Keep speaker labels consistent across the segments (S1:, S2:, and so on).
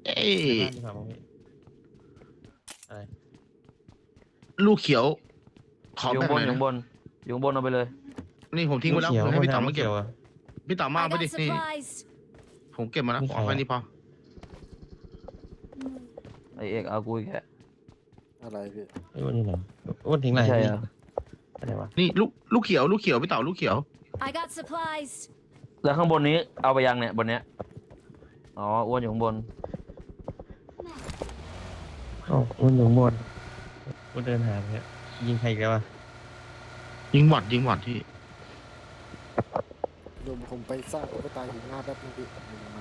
S1: เอ้
S2: ใน
S1: ย
S2: บ้านดีกว่ามั้งพี่อะไร
S1: ลูกเขียวขอ
S3: อยู่
S1: แบ่ง
S3: บ
S1: ห
S3: น
S1: น่อย
S3: อยู่
S1: นะ
S3: บนอยู่บนเอาไปเลย
S1: นี่ผมทิ้งไว้แล้ว
S2: เขียว
S1: ให้
S2: คน
S1: พี่
S2: ทำ
S1: เต๋า
S2: ลู
S1: มาก เก็
S2: เขี
S1: บ
S2: ยวอะ
S1: พี่เต๋ามา
S4: I
S1: เอาไป
S4: got
S1: ดินี่
S4: supplies.
S1: ผมเก็บมาแล้ว
S2: นี่
S1: ข
S2: ใค
S1: อ
S2: ร
S1: แค่
S2: อะ
S1: นี้พอ
S3: ไอเอกเอากูอีกแค่
S5: อะไรพี่
S2: ไอ้อ้วนนี่ไหนอ้วนทิ้งไหน
S3: ไม่ใช่
S2: พี่
S3: เหรอ
S2: อะไรวะ
S1: นี่ลูกเขียวพี่เต๋าลูกเขียว
S4: I got supplies.
S3: แล้วข้างบนนี้เอาไปยังเนี่ยบนเนี้ยอ๋ออ้วนอยู่ข้างบน
S2: อ๋ออ้วนอยู่ข้างบนอ้วนเดินหาเนี่ยยิงใครอีกแล้ววะ
S1: ยิงหวัดที่
S5: รวมผมไปสร้างตุ๊กตาหินหน้าแป๊บนึงพี่มา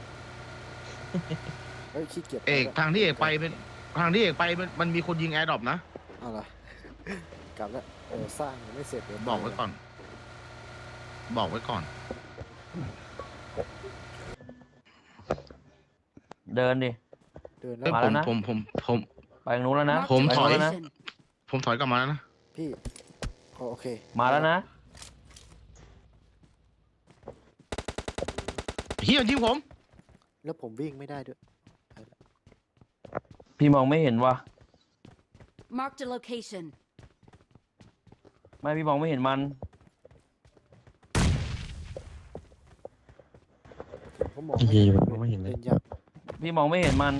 S5: เฮ้ยขี้เกียจ
S1: เอกทางที่เอกไปเป็นทางที่เอกไปมันมีคนยิงแอร์ดรอปนะ
S5: เอาล่ะกลับแล้วสร้างยังไม่เสร็จเดี๋ยว
S1: บอกไว้ก่อน
S3: เดินดิ
S5: เดินแล้
S1: เอ้ยว
S3: มาแล้วนะ
S1: ผม
S3: ไปทางนู้นแล้วนะ
S4: Marked
S1: ผม
S4: a
S1: ถอย
S4: location.
S1: ผมถอยกลับมาแล้วนะ
S5: พี่โอเค
S3: มาแล้วนะ
S1: เฮียยิงผม
S5: แล้วผมวิ่งไม่ได้ด้วย
S3: พี่มองไม่เห็นว่ะ
S4: Marked a location.
S3: ไม่พี่มองไม่เห็นมัน
S5: ผมมอง
S2: ยีผมไม่เห็นเลย
S5: เดินยาก
S3: พี่มองไม่เห็นมัน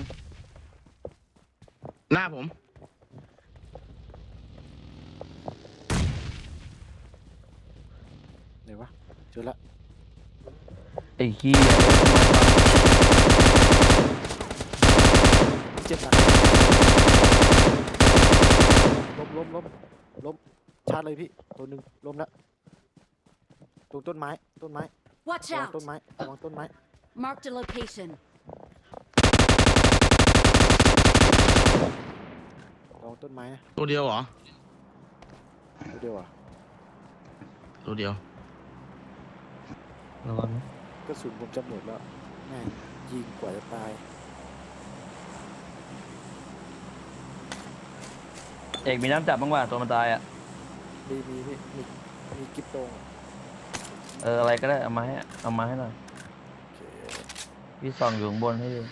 S1: หน้าผม
S5: ไหนวะเจอละ
S3: ไอ้ขี้ย
S5: เจ็บหนักล้มชาร์จเลยพี่ตัวหนึ่งล้มแล้วตรงต้นไม้
S4: Watch
S5: ระวัง
S4: out.
S5: ต้นไม้ระวังต้นไม้
S4: Marked a location.
S5: ระวังต้นไม้นะ
S1: ตัวเดียวเหรอ
S5: เดี๋ยวอ่ะ
S1: ตัวเดียว
S2: ระวังนะ
S5: กระสุนผมจะหมดแล้วแม่งยิงกว่าจะตาย
S3: เอกมีน้ำจับบ้างว่ะตัวมันตายอ่ะ
S5: มีพี่มีกิ๊บโตงอะ
S3: อะไรก็ได้เอามาให้หน่อย
S5: โอเค
S3: พี่ส่องอยู่ข้างบนให้ดู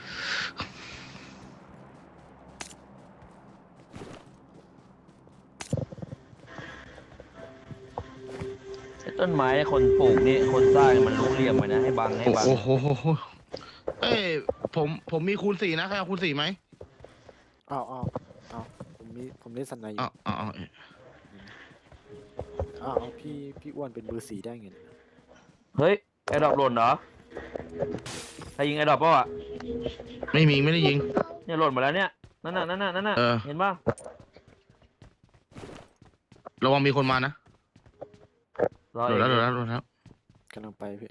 S3: ไอ้ต้นไม้คนปลูกนี่คนสร้างมันรู้เหลี่ยมไว้นะให้บัง
S1: โอ้โหเอ้ยผมมีคูณ 4นะใครเอาคูณ 4ไหม
S5: เอาผมเล่นสไนอยู่
S1: อ้าว
S5: เอาพี่อ้วนเป็นเบอร์4ได้ไงเนี่ย
S3: เฮ้ยไอ้ดอกหล่นเหรอใครยิงไอ้ดอกเปล่าอ่ะ
S1: ไม่ได้ยิง
S3: เนี่ยหล่นมาแล้วเนี่ยนั่นน่ะ
S1: เออ
S3: เห็นป่ะ
S1: ระวังมีคนมานะ
S3: รอ
S1: โด
S3: เอน ก
S1: แล้ว
S5: กำลังไปพี่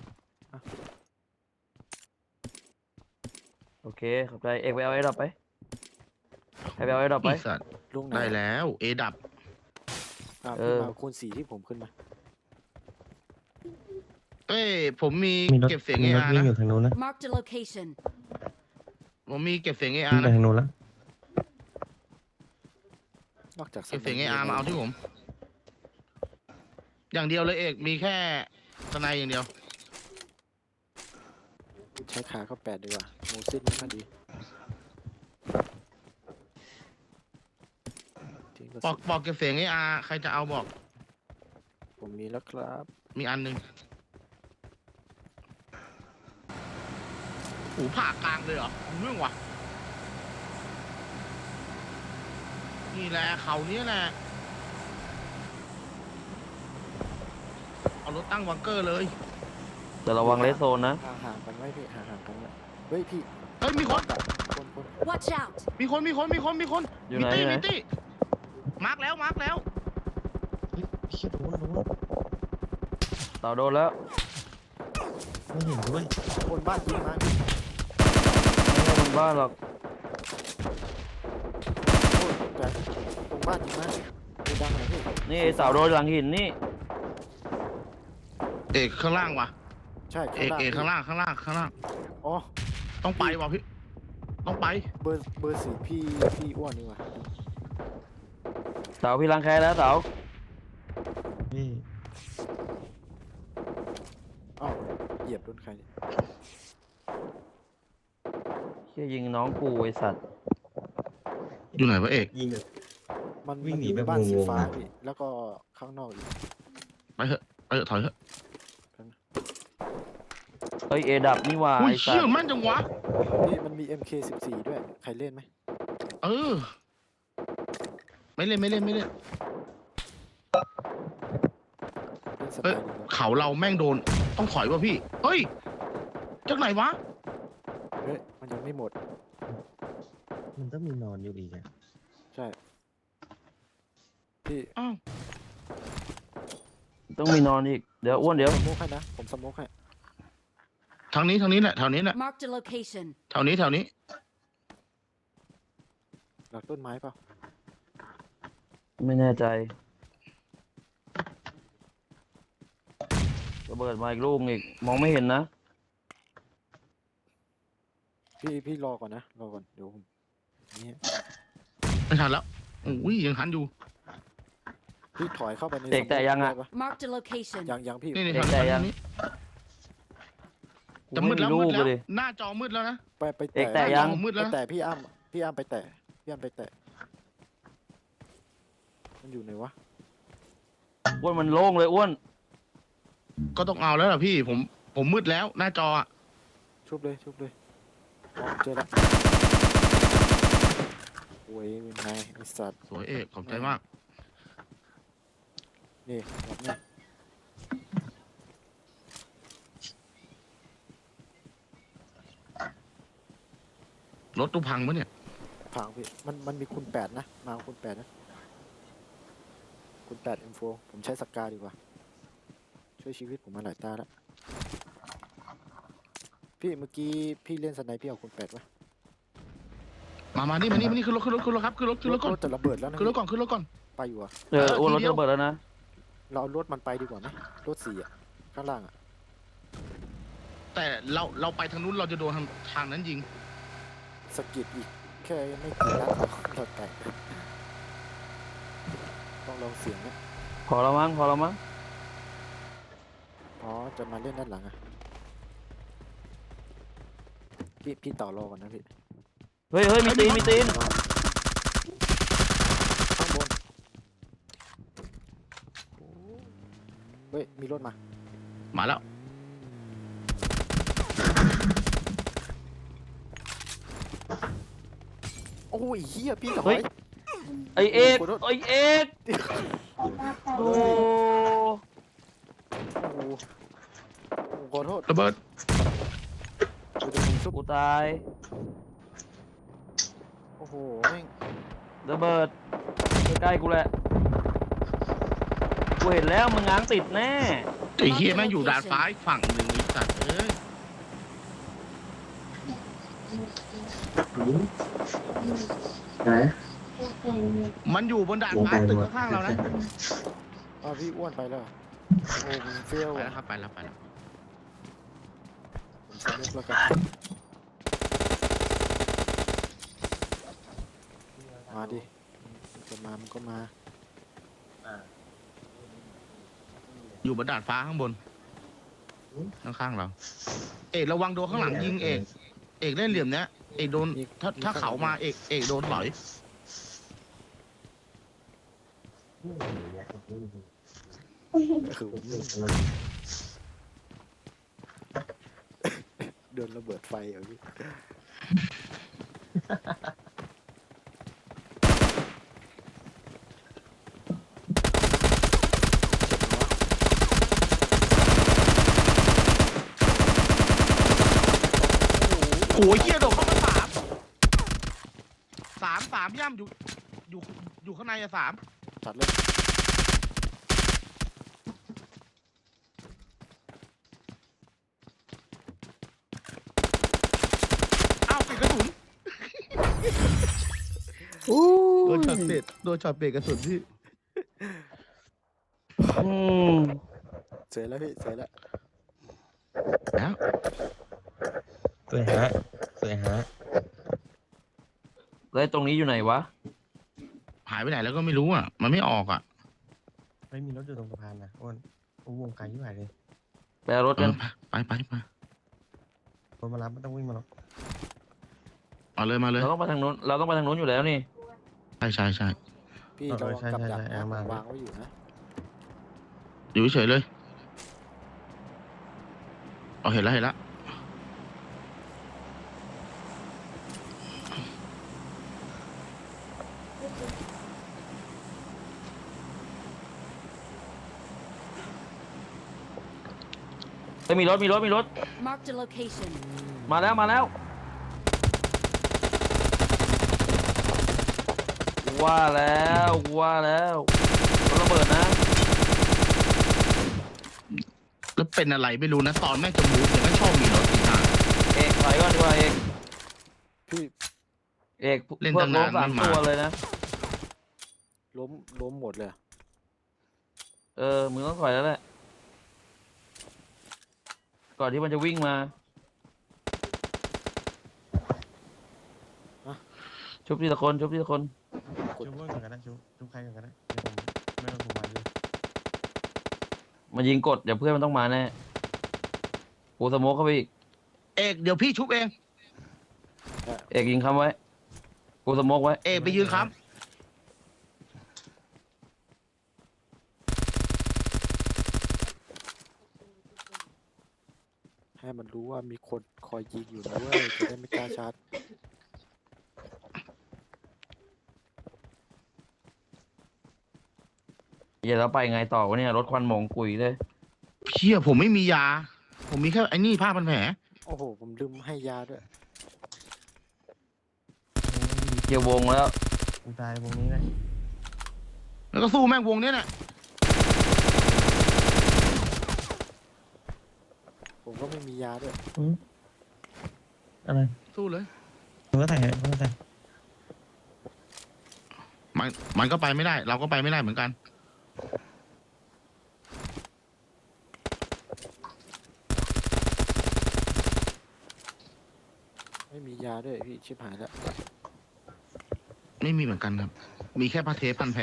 S3: โอเคขอบใจเอกไปเอาไอ้ดอกไปให้ไปเอาไอ้ดอกไป
S1: อีสัตว์
S5: ลุงไหน
S1: ได้แล้วเอดับ
S5: พี่มาคูณ4ที่ผมขึ้นมา
S1: เอ้ยผมมี
S2: มีรถ
S1: เก็บเสียง
S2: มี
S1: เอ
S2: รถ
S1: อาร์
S2: วิ่ง
S1: นะ
S2: อยู่ทางนู้นนะ
S4: Marked a location.
S1: ผมมีเก็บเสียงเออา
S2: วิ่ง
S1: ร์
S2: ไป
S1: นะ
S2: ทางนู้นแล้ว
S5: นอกจาก
S1: เก็บเสียงเออาร์มาเอาที่ผม อย่างเดียวเลยเอกมีแค่สไนอย่างเดียว
S5: ใช้ขาเข้า8ดีกว่าโมซินไม่ค่อยดีทิ้งกระ
S1: บอ
S5: สุ
S1: ก
S5: น
S1: บอกเก็บเสียงเออาร์ใครจะเอาบอก
S5: ผมมีแล้วครับ
S1: มีอันหนึงหูผ่ากลางเลยเหรอเรื่องวะนี่แหละเขาเนี้ยแหละเอารถตั้งบังเกอร์เลย
S3: แต่ระวังเลสโซนนะ
S5: ห่างกันไว้พี่ห่างกันไว้เฮ้ยพี่
S1: เฮ้ยมีคน
S5: คน
S4: Watch out.
S1: มีคน
S3: อยู่
S1: มี
S3: ไหน
S1: ตี้
S3: อยู่ไหน
S1: มีตี้มาร์กแล้ว
S2: เฮียโดน
S3: เต่าโดนแล้ว
S2: ไม่เห็นด้วย
S5: คนบ้านยิงมาพี่
S3: ไม่ใช่บนบ้านหรอก
S5: โอ้ยแต่ตรงบ้านยิงมาดูดังหน่อยพี่
S3: นี่ไอ้เต่าโดนหลังหินนี่
S1: เอกข้างล่างว่ะ
S5: ใช่
S1: เอกข้างล่าง
S5: อ๋อ
S1: ต้องไปว่ะพี่ต้องไป
S5: เบอร์4พี่อ้วนนี่ว่ะ
S3: เต่าพี่รังแคแล้วเต่า
S2: พี่
S5: อ้าวเหยียบโดนใครเนี่ย
S3: เชี่ยยิงน้องกูไอสัตว์
S1: อยู่ไหนวะเอก
S2: ยิงแบบ
S5: มัน
S2: วิ่งหนี
S5: อยู่
S2: แบบ
S5: บ้านสี
S2: งงๆ
S5: ฟ้า
S2: นะ
S5: พี่แล้วก็ข้างนอกอีก
S1: ไปเถอะไปเถอะถอยเถอะ
S3: เฮ้ยเอดับนี่หว่า
S1: อุ้ย
S3: ไอสั
S1: เชี่ย
S3: ตว์
S1: แม่นจังวะ
S5: นี่มันมี MK14 ด้วยใครเล่นไหม
S1: เออ ไม่เล่นไม่เล่นไม่เล่น
S5: เล่นส
S1: เอ้ย
S5: บายดีกว่า
S1: เขาเราแม่งโดน ต้องถอยวะพี่ เฮ้ยจากไหนวะ
S5: เฮ้ยมันยังไม่หมด
S2: มันต้องมีนอนอยู่อีกอะ
S5: ใช่พี่
S1: อ้าว
S3: ต้องมีนอนอีกเดี๋ยวอ้วนเดี๋ยว
S5: สโมกให้นะผมสโมกให้
S1: ทางนี้ทางนี้แหละแถวนี้แหละ
S4: Marked a location.
S1: แถวนี้แถวนี้
S5: หลักต้นไม้เปล่า
S3: ไม่แน่ใจระเบิดมาอีกลูกอีกมองไม่เห็นนะ
S5: พี่รอก่อนนะรอก่อนเดี๋ยวผมนี่
S1: ไม่ทันแล้วอุ้ยยังทันอยู่
S5: พี่ถอยเข้าไปใน
S3: เด็กแต่ยังอะ
S5: ด้ป
S4: Marked a location.
S5: ยังพี่
S1: นี่นี่
S3: เด็ก
S1: ทาง
S3: แต่ยัง
S1: นี้
S3: กู
S1: จะ
S3: ไม่
S1: มืด
S3: มี
S1: แล้ว
S3: ลู
S1: มื
S3: ก
S1: ดแล้ว
S3: เลย
S1: หน้าจอมืดแล้วนะ
S5: ไป
S3: เด็กแต่
S5: แตะ
S3: ยัง
S1: มืดแล้ว
S5: ไปแตะพี่อ้ำไปแตะพี่อ้ำไปแตะมันอยู่ไหนวะ
S3: อ้วนมันโล่งเลยอ้วน
S1: ก็ต้องเอาแล้วล่ะพี่ ผมมืดแล้ว หน้าจออะ
S5: ชุบเลยอ๋อเจอละโว้ยเป็นไงไอสัตว์
S1: สวยเอกขอบใจมาก
S5: นี่แบบนี้
S1: รถตู้พังปะเนี่ย
S5: พังพี่มันมีคูณ8นะมาเอาคูณ8นะคูณ8 M4 ผมใช้สกาดีกว่าช่วยชีวิตผมมาหลายตาแล้วพี่เมื่อกี้พี่เล่นสไนพี่เอาคูณ8ปะ
S1: มานี่ขึ้นรถครับขึ้นรถก่อน
S5: รถจะระเบิดแล้วนะ
S1: ขึ้นรถก่อน
S5: ไปอยู่อะ
S3: อ้วนรถ
S1: ทีเดียว
S3: จะระเบิดแล้วนะ
S5: เราเอารถมันไปดีกว่าไหมรถ4อะข้างล่างอะ
S1: แต่เราไปทางนู้นเราจะโดนทางนั้นยิง
S5: สะกิดอีกแค่ไม่กี่นัดเราแตกต้องลองเสียงนะ
S3: พอแล้วมั้ง
S5: อ๋อจะมาเล่นด้านหลังอะพี่ต่อรอก่อนนะพี่
S3: เฮ้ยมีตีน
S5: ข้างบนเฮ้ยมีรถมา
S1: มาแล้ว
S5: โอ้ยเฮียพี่ถอ
S3: เฮ้
S5: ย
S3: ย ไอเอก
S5: ขอโทษ
S3: ไอเอกโอ้
S5: โอ้โหขอโทษ
S1: ระเบิด
S5: เดี๋ยวผมชุบ
S3: กูตาย
S5: โอ้โหแม่ง
S3: ระเบิดใกล้ๆกูแหละกูเห็นแล้วมึงง้างติดแน่
S1: ไอ้เฮียแม่งอยู่ดาดฟ้าอีกฝั่งหนึ่งไอ้สัตว์เอ้ย
S6: ไหน
S1: มันอยู่บนดาดฟ้าตึกข้างๆเรานะ
S5: อ้าวพี่อ้วนไปแล้วเหรอโอ้ผมเฟล
S1: ไป
S5: อะ
S1: แล้วครับไปแล้ว
S5: ผมสนุกแล้วกันมาดิจะมามันก็มา
S1: อยู่บนดาดฟ้าข้างบนข้างๆเรา เอกระวังโดนข้างหลังยิงเอกเล่นเหลี่ยมเนี้ยเอกโดนถ้าเขามาเอกโดนหลอย
S5: คือเดินระเบิดไฟเหรอพี่
S1: โอ้ยเฮียโดนเข้ามาสามย่ำอยู่ข้างในอะ3
S5: จัดเลย
S1: อ้าวปิดกระสุนโดนช็อตเบรกกระสุนพี่
S3: อืม
S5: เสร็จแล้วพี่เสร็จแล้ว
S1: แล้ว
S2: สวยฮะ
S3: แล้วตรงนี้อยู่ไหนวะ
S1: หายไปไหนแล้วก็ไม่รู้อ่ะ มันไม่ออกอ่ะ
S2: ไม่มีรถอยู่ตรงสะพานนะอ้วนโอ้วงไกลที่ไหนเลย
S3: ไปเอารถกัน
S1: ไป
S2: คนมารับไม่ต้องวิ่งมาหรอก
S1: เอาเลยมาเลย
S3: เราต้องไปทางนู้นเราต้องไปทางนู้นอยู่แล้วนี่
S1: ใช่
S5: พี่ระวังกับดักนะวางไว้อยู่นะ
S1: อยู่เฉยๆเลยเอาเห็นแล้ว
S3: เฮ้ยมีรถ
S4: Marked a location.
S3: มาแล้วว่าแล้วรถระเบิดนะ
S1: แล้วเป็นอะไรไม่รู้นะตอนแม่งจะมูฟเนี่ยแม่งชอบมีรถติดทาง
S3: เอกถอยก่อนดีกว่าเอก
S5: พี่
S3: เอก
S1: เล่น
S3: พว
S1: ตั้
S3: ก
S1: ง
S3: ล้
S1: นาม น
S3: สาม
S1: ไม่มา
S3: ตัวเลยนะ
S5: ล้มหมดเลย
S3: มึงต้องถอยแล้วแหละก่อนที่มันจะวิ่งมาชุบทีละคน
S2: ชุบเพื่อนก่อนกันนะชุบใครก่อนกันนะเดี๋ยวผมไม่ต้องผมมาอยู่
S3: มายิงกดเดี๋ยวเพื่อนมันต้องมาแน่กูสโมกเข้าไปอีก
S1: เอกเดี๋ยวพี่ชุบเอง
S3: เอกยิงค้ำไว้กูสโมกไว้
S1: เอกไปยืนค้
S5: ให้มันรู้ว่ามีคนคอยยิงอยู่นะเว้ยจะได้ไม่กล้าชาร์จ
S3: อย่าแล้วไปไงต่อวะเนี่ยรถควันหมองกุยเลย
S1: ำเพี้ยผมไม่มียา ผมมีแค่ไอ้นี่ผ้าพันแผล
S5: โอ้โหผมลืมให้ยาด้วย
S3: เกี่ยววงแล้ว
S2: กูตายวงนี้เลย
S1: แล้วก็สู้แม่งวงเนี้ยน่ะ
S5: ผมก็ไม่มียาด้วย
S2: อะไร
S1: สู้เลย
S2: มึงก็ใส่มึงก็ใส่
S1: มันก็ไปไม่ได้ เราก็ไปไม่ได้เหมือนกัน
S5: ไม่มียาด้วยพี่ชิบหายแล้ว
S1: ไม่มีเหมือนกันครับ มีแค่ผ้าเทปพันแผล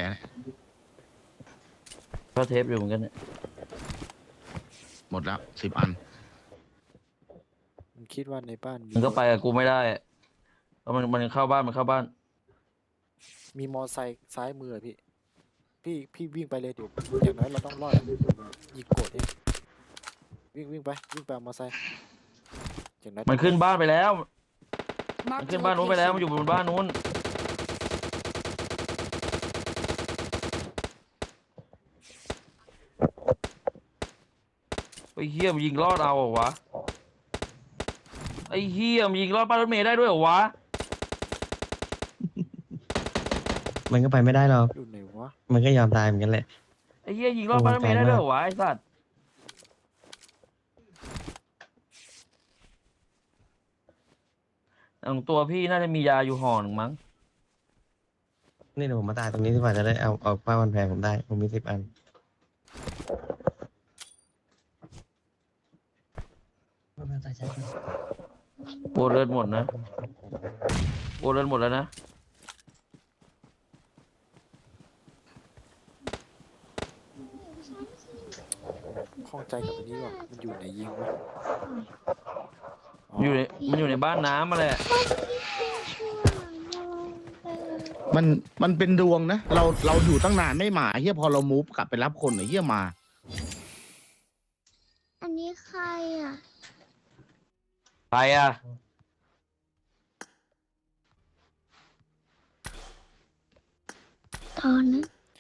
S3: ก็เทปอยู่เหมือนกันเนี่ย
S1: หมดแล้ว10 อัน
S5: มันคิดว่าในบ้าน
S3: มึงก็ไปกับกูไม่ได้เพราะมันเข้าบ้าน
S5: มีมอไซค์ซ้ายมือพี่วิ่งไปเลยเดี๋ยวอย่างน้อยเราต้องรอดยิงโกดเองวิ่งไปเอามอไซค์อย่างน้อย
S3: มันขึ้นบ้านไปแล้ว มัน
S4: Marked
S3: ขึ้
S4: a
S3: นบ้านนู้นไปแล้ว มันอ
S4: location.
S3: ยู่บนบ้านนู้นไอ้เฮียมนยิงรอดเอาเหรอวะไอ้เฮียมนยิงรอดป้ายรถเมล์ได้ด้วยเหรอวะ
S2: มันก็ไปไม่ได้หรอก
S5: อยู่ไหนวะ
S2: มันก็ยอมตายเหมือนกันแหละ
S3: ไอ้เฮียยิงรอดป้ายรถเมล์ได้ด้วยเหรอวะไอ้สัตว์ตัวพี่น่าจะมียาอยู่ห่อหนึ่งมั้ง
S2: นี่เดี๋ยวผมมาตายตรงนี้ดีกว่าจะได้เอาผ้าพันแผลผมได้ผมมี10 อัน
S3: โบเลือดหมดนะโบเลือดหมดแล้วนะ
S5: ข้องใจกับอันนี้ว่ะมันอยู่ไหนยิงวะ
S3: มันอยู่ในบ้านน้ำมาแหละ
S1: มันเป็นดวงนะ เราอยู่ตั้งนานไม่มาเฮียพอเรามูฟกลับไปรับคนเฮียมา
S6: อันนี้ใครอ่ะ
S3: ใครอ่ะ
S6: ตอนนั้น